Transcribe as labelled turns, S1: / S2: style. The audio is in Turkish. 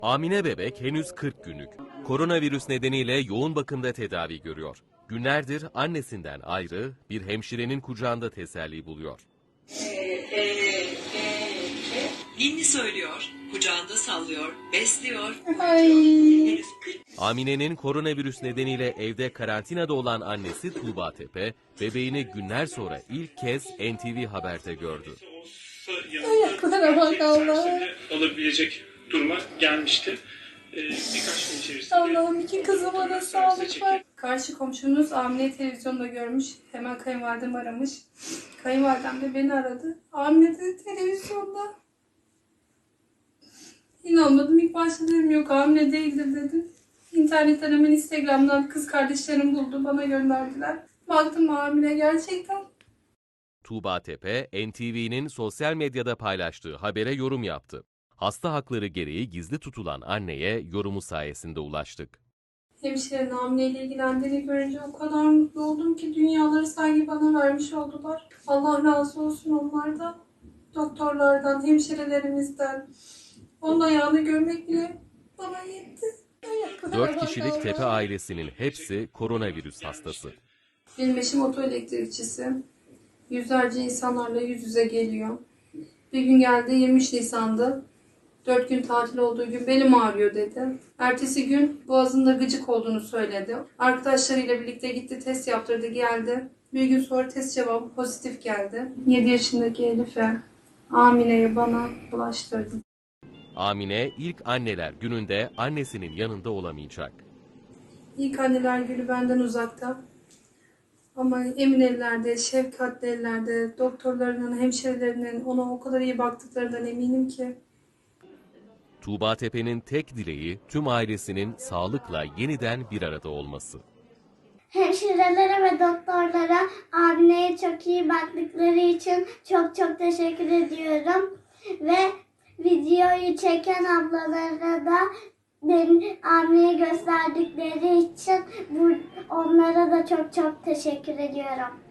S1: Amine bebek henüz 40 günlük. Koronavirüs nedeniyle yoğun bakımda tedavi görüyor. Günlerdir annesinden ayrı, bir hemşirenin kucağında teselli buluyor.
S2: Ninni söylüyor, kucağında sallıyor, besliyor.
S1: Amine'nin koronavirüs nedeniyle evde karantinada olan annesi Tuğba Tepe, bebeğini günler sonra ilk kez NTV Haber'de gördü.
S3: Ayaklara bak Allah'ım.
S4: Alabilecek duruma gelmişti. Birkaç gün içerisinde...
S3: Allah'ım iki kızıma da sağlık var. Karşı komşumuz Amine televizyonda görmüş. Hemen kayınvalidem aramış. Kayınvalidem de beni aradı. Amine de televizyonda. İnanmadım. İlk başta dedim yok Amine değildir dedim. İnternetten hemen Instagram'dan kız kardeşlerim buldu. Bana gönderdiler. Baktım Amine gerçekten.
S1: Tuğba Tepe, NTV'nin sosyal medyada paylaştığı habere yorum yaptı. Hasta hakları gereği gizli tutulan anneye yorumu sayesinde ulaştık.
S3: Hemşirenin hamileyle ilgilendiğini görünce o kadar mutlu oldum ki dünyaları sanki bana vermiş oldular. Allah razı olsun onlardan, doktorlardan, hemşirelerimizden. Onun ayağını görmek bile bana yetti.
S1: 4 kişilik Tepe ailesinin hepsi koronavirüs hastası.
S3: Benim eşim otoelektrikçisi. Yüzlerce insanlarla yüz yüze geliyor. Bir gün geldi 23 Nisan'da. 4 gün tatil olduğu gün belim ağrıyor dedi. Ertesi gün boğazında gıcık olduğunu söyledi. Arkadaşlarıyla birlikte gitti test yaptırdı geldi. Bir gün sonra test cevabı pozitif geldi. 7 yaşındaki Elif'e, Amine'ye bana bulaştırdı.
S1: Amine ilk anneler gününde annesinin yanında olamayacak.
S3: İlk anneler günü benden uzakta. Ama emin ellerde, şefkatli ellerde, doktorlarının, hemşirelerinin ona o kadar iyi baktıklarından eminim ki.
S1: Tuğba Tepe'nin tek dileği tüm ailesinin sağlıkla yeniden bir arada olması.
S5: Hemşirelere ve doktorlara Amine'ye çok iyi baktıkları için çok çok teşekkür ediyorum. Ve videoyu çeken ablalara da beni Amine'ye gösterdikleri için onlara da çok çok teşekkür ediyorum.